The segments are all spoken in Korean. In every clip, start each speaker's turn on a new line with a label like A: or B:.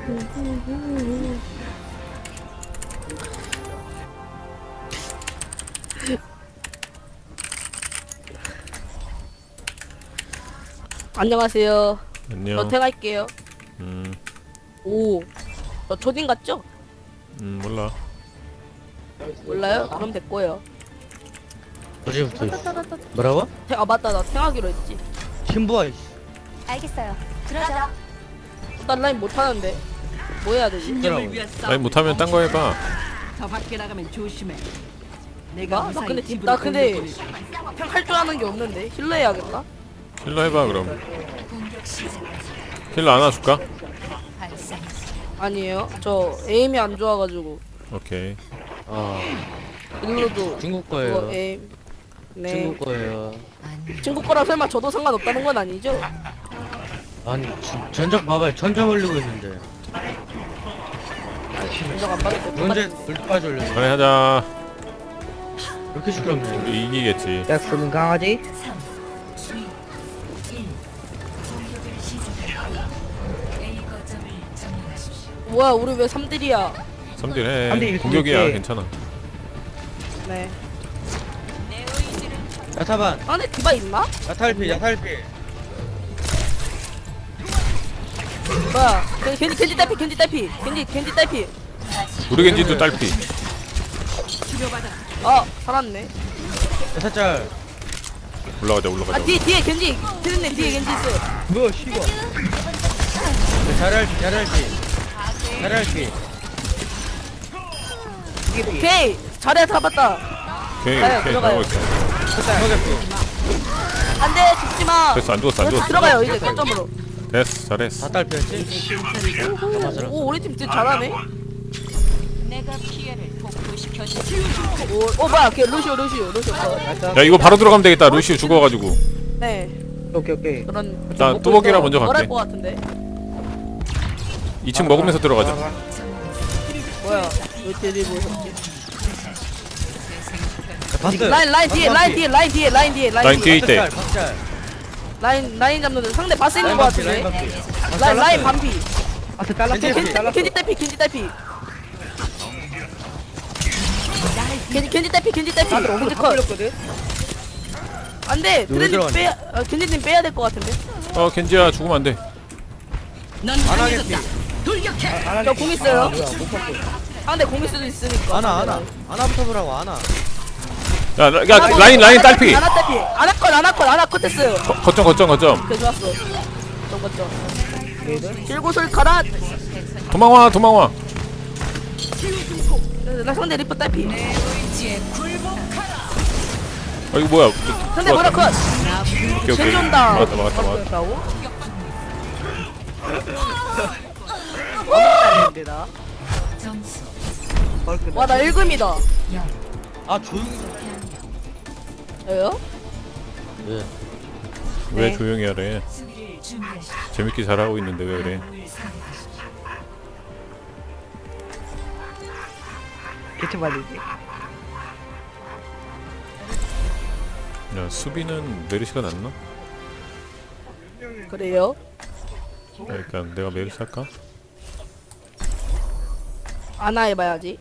A: 안녕하세요.
B: 안녕.
A: 저 퇴할게요. 오, 저 초딩 같죠?
B: 몰라.
A: 몰라요? 그럼 됐고요.
C: 어제부터 뭐라고?
A: 아 맞다, 나 퇴하기로 했지.
C: 신부아
D: 알겠어요. 그러자.
A: 난 라인 못하는데 뭐 해야 되지?
C: 뭐라고?
B: 아니 못하면 딴 거 해봐.
E: 더 밖에 나가면 조심해. 내가
A: 나
E: 무사히
A: 근데
E: 집으로
A: 나 근데
E: 돌려보내줄 거야.
A: 그냥 할 줄 아는 게 없는데 힐러 해야겠다.
B: 힐러 해봐 그럼. 힐러 안아줄까?
A: 아니에요? 저 에임이 안 좋아가지고
B: 오케이.
A: 힐러도
C: 중국
A: 그거
C: 거예요.
A: 에임. 네.
C: 중국 거예요.
A: 중국 거라 설마 저도 상관없다는 건 아니죠?
C: 아니 전적 봐봐요. 전적 올리고 있는데.
A: 인정 안 받을 때
C: 언제
A: 똑같은데.
C: 물까지 올려?
B: 그래 하자.
C: 이렇게 시끄럽네.
B: 우리 이기겠지.
F: 약속은 강아지?
A: 뭐야 우리 왜 3딜이야?
B: 3딜 해.
F: 3딜
B: 공격이야
F: 이렇게.
B: 괜찮아.
A: 네.
C: 야타반,
A: 안에 디바 있나?
C: 야탈피, 야탈피.
A: 뭐야? 겐지 딸피, 겐지 딸피, 겐지 딸피.
B: 우리 겐지도 딸피.
A: 아 살았네.
C: 야타짤.
B: 올라가자
A: 아
B: 올라가자.
A: 뒤에 겐지, 피디님 뒤에 겐지 있어.
C: 뭐야 씨발. 잘할피, 잘할피. 잘할피.
A: 오케이 잘해 잡았다.
B: 오케이
A: 가요,
B: 오케이
A: 들어가요.
B: 가고 있어.
C: 들어갔어.
A: 안돼 죽지 마.
B: 됐어 안 죽었어 안 죽었어.
A: 들어가요 이제 거점으로.
B: 됐어 잘했어.
C: 다 딸피였지? 맞아.
A: 오 우리 팀 진짜 잘하네.
D: 내가 피해를 복구시켜줄
A: 오 뭐야 걔 루시오 거.
B: 야 이거 바로 들어가면 되겠다. 루시우 죽어가지고.
A: 네
F: 오케이.
A: 그런.
B: 나 뚜벅이라 먼저 갈게.
A: 뭐랄 것 같은데.
B: 2층 먹으면서 들어가자.
A: 뭐야 왜 딜이 보셨지?
C: 봤어요.
A: 라인 뒤에
B: 라인 뒤에 있대.
C: 박짤.
A: 라인 잡는 데 상대 바스 있는 것
C: 라인
A: 같은데.
C: 반피.
A: 라인 반피.
F: 아트 잘랐어.
C: 겐지
F: 잘랐어.
A: 겐지 딸피. 겐지
F: 다들 오늘 다
A: 컷.
F: 걸렸거든?
A: 안돼
C: 누구
A: 트렌드
C: 들어가냐?
A: 빼야 겐지님 빼야 될 것 같은데.
B: 어 겐지야 죽으면 안 돼.
E: 넌
C: 안
E: 강해졌다.
C: 하겠지.
E: 돌격해.
A: 저 공 있어요.
F: 뭐야 못 봤어.
A: 상대 공 있을 수도 있으니까.
C: 아나부터 보라고 아나.
B: 야 라인 딸피.
A: 아나 컷 했어요.
B: 거점.
A: 오케이 좋았어. 거점. 길곳을 가라.
B: 도망와.
A: 나 상대 리프 딸피.
B: 아 이거 뭐야?
A: 상대 뭐라 컷.
B: 오케이.
A: 겐지 온다.
B: 막았다.
A: 와나 1금이다.
C: 아 조용히.
A: 왜요?
C: 예.
B: 왜
A: 네.
B: 조용히 하래? 재밌게 잘하고 있는데 왜 그래?
F: 개체 받이지.
B: 야 수비는 메르시가 낫나?
A: 그래요?
B: 그러니까 내가 메르시 할까?
A: 아나 해봐야지.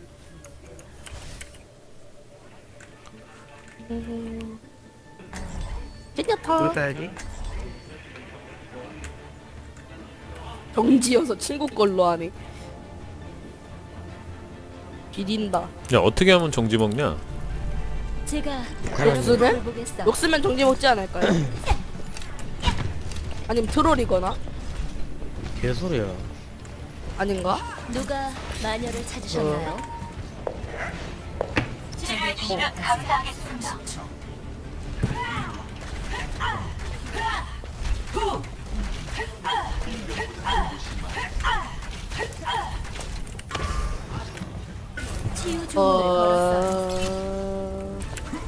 A: 찐야타.
F: 뭘 써야지?
A: 정지여서 친구 걸로 하네. 비린다.
B: 야 어떻게 하면 정지 먹냐?
D: 제가
A: 욕쓰면?
D: 보겠어.
A: 욕쓰면 정지 먹지 않을까요? 아니면 트롤이거나?
C: 개소리야.
A: 아닌가?
D: 누가 마녀를 찾으셨나요? 치유 주문을 걸었어.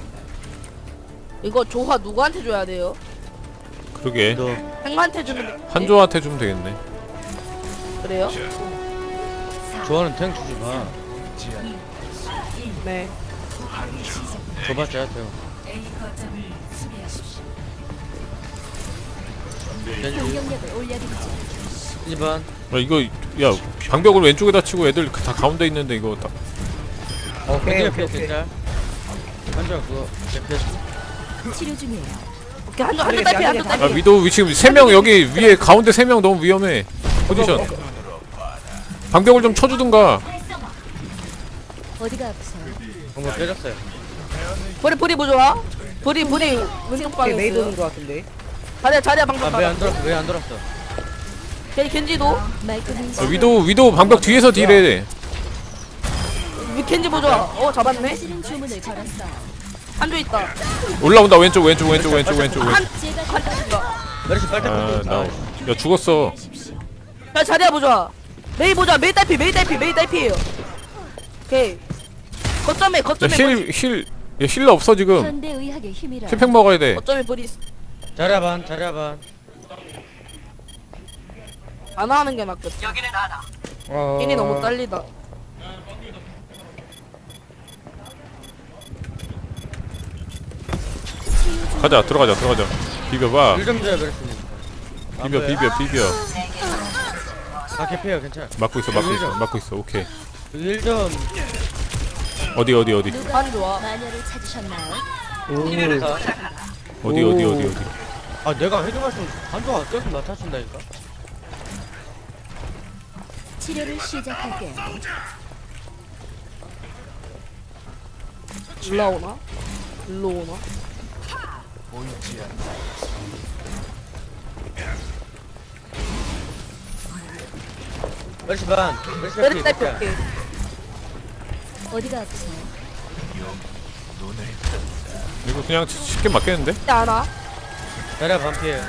A: 이거 조화 누구한테 줘야 돼요?
B: 그러게
C: 너
A: 행한테 주면 돼.
B: 한조한테 주면 되겠네.
A: 그래요?
C: 좋아하는 탱 주지 마.
A: 네.
C: 줘봤자 탱. 겐지.
D: 공격력을 올려드리죠.
C: 1번.
B: 이거 야 방벽을 왼쪽에다 치고 애들 다 가운데 있는데 이거 다
F: 오케이
C: 겐지
F: 오케이
C: 옆에
F: 오케이.
C: 겐자. 한정 그거 옆에.
D: 치료 중이에요.
A: 오케이 한쪽 딸피 한쪽
B: 아
A: 딸피.
B: 위도우 지금 3명 여기 위에 가운데 3명 너무 위험해 포지션 방벽을 좀 쳐주든가.
D: 어디가 아프세요?
C: 정말 빼졌어요.
A: 보리 뭐 좋아? 보리 왼쪽 방에
F: 오케이 메이드 오는
A: 있어요.
F: 거 같은데.
A: 자리야 방금
C: 아 왜 안 돌았어? 왜 안 돌았어?
A: 겐지도
D: 말끔히
B: 위도우 방벽 뒤에서 딜해.
A: 겐지 뭐 좋아? 잡았네.
D: 실은 주문을 걸었어요.
A: 한조 있다.
B: 올라온다 왼쪽.
A: 한
D: 제가
C: 메르시 빨대 꽂고.
B: 아나야 죽었어.
A: 야 자리야 뭐 좋아? 메이 보자. 메이 딸피예요. 오케이. 거점에
B: 야 힐러 없어 지금.
D: 현대 의학의 힘이라.
B: 힐팩 먹어야 돼.
A: 거점에 보리
C: 자리야반.
A: 안 하는 게 낫겠다. 힐이 너무 딸리다.
B: 가자 들어가자. 비벼봐.
C: 1점 줘요 메르시.
B: 비벼.
C: 아 개피해요 괜찮아.
B: 막고 있어. 오케이.
C: 1점.
B: 어디
A: 한 좋아.
D: 마녀를 찾으셨나요?
B: 어디.
C: 아 내가 헤드 맞으면 한조가 계속 맞춰준다니까.
D: 치료를 시작할게요.
A: 올라오나? 일로 오나?
C: 메르시 반. 메르시
A: 메리 딸피
C: 개피.
A: 오케이.
D: 어디가 아프세요?
B: 이거 그냥 쉽게 맞겠는데?
A: 하나.
C: 자리야 반피해요.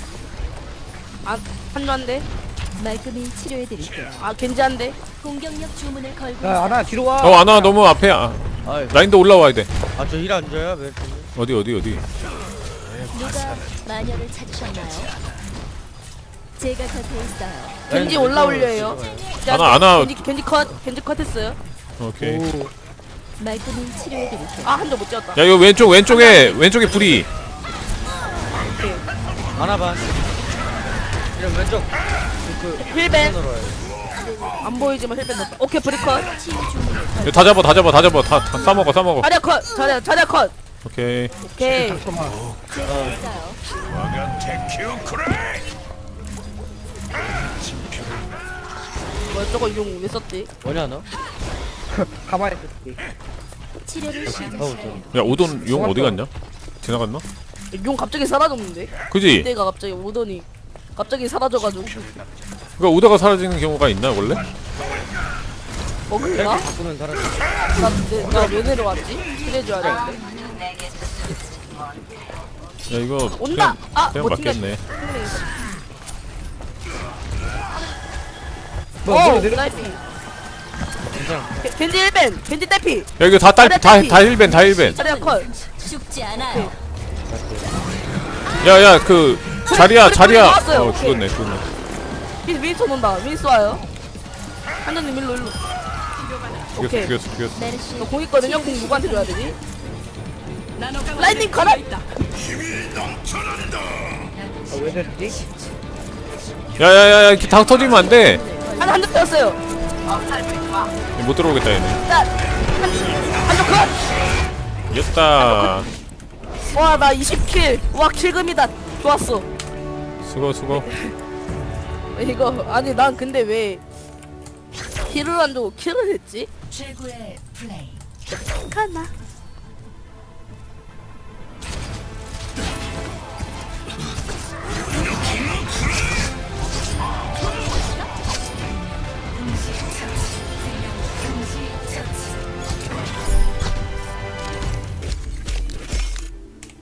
A: 한조 한 대.
D: 말끔히 치료해드릴게요.
A: 겐지 한 대.
D: 공격력 주문을 걸고
F: 야
D: 있어요.
F: 아나 뒤로 와.
B: 아나 너무 앞에.
C: 아이.
B: 라인도 올라와야 돼.
C: 아저 힐 안 줘요 메르시.
B: 어디.
D: 누가 마녀를 찾으셨나요? 제가 곁에 있어요.
A: 겐지 올라올려요.
B: 아나.
A: 겐지 컷 했어요.
B: 오케이.
D: 말끔히 치료해드릴게요.
A: 한조 못 찍었다.
B: 야 이거 왼쪽에 불이.
C: 하나 반. 이런 왼쪽.
A: 힐벤.
C: 손으로 와요.
A: 안 보이지만 힐벤 넣었다. 오케이 브리컷.
D: 치유 주문을
B: 이거 다 잡아. 다 싸먹어.
A: 자리야 컷. 자리야 컷.
B: 오케이.
A: 오케이.
F: 잠깐만.
D: 제가 있어요.
A: 뭐야 저거 용 왜 썼지?
C: 뭐냐 너?
F: 가만히 있을게.
D: 치료를 시작해요.
B: 야 오돈 용 어디 갔냐? 지나갔나?
A: 용 갑자기 사라졌는데?
B: 그지?
A: 그때가 갑자기 오더니 갑자기 사라져가지고
B: 그러니까 오다가 사라지는 경우가 있나 원래?
A: 먹을까?
C: 바꾸면 사라져.
A: 나왜 내려왔지? 그래줘야 되는데.
B: 야 이거
A: 온다!
B: 그냥
A: 못 튕겼-
B: 맞겠네.
F: 뭐 내려.
A: 딸피.
C: 괜찮아.
A: 겐지 1벤! 겐지 딸피!
B: 야 이거 다 힐벤.
A: 자리야 컷!
D: 죽지 않아요.
B: 야야 그 자리야.
A: 나왔어요. 오케이.
B: 죽었네.
A: 윈스 온다. 윈스 와요. 한전님 일로. 오케이.
B: 죽였어.
D: 메르시
A: 공 있거든요? 공 누구한테 줘야 되지? 라인님 가라!
F: 왜 됐지?
B: 야야야 당 터지면 안 돼.
A: 한대 빼었어요.
B: 못 들어오겠다 얘네.
A: 자, 한쪽 컷!
B: 이겼다.
A: 와, 나 20킬. 와, 킬금이다. 좋았어.
B: 수고.
A: 이거, 아니, 난 근데 왜 킬을 안 주고 킬을 했지?
D: 최고의 플레이.
A: 가나.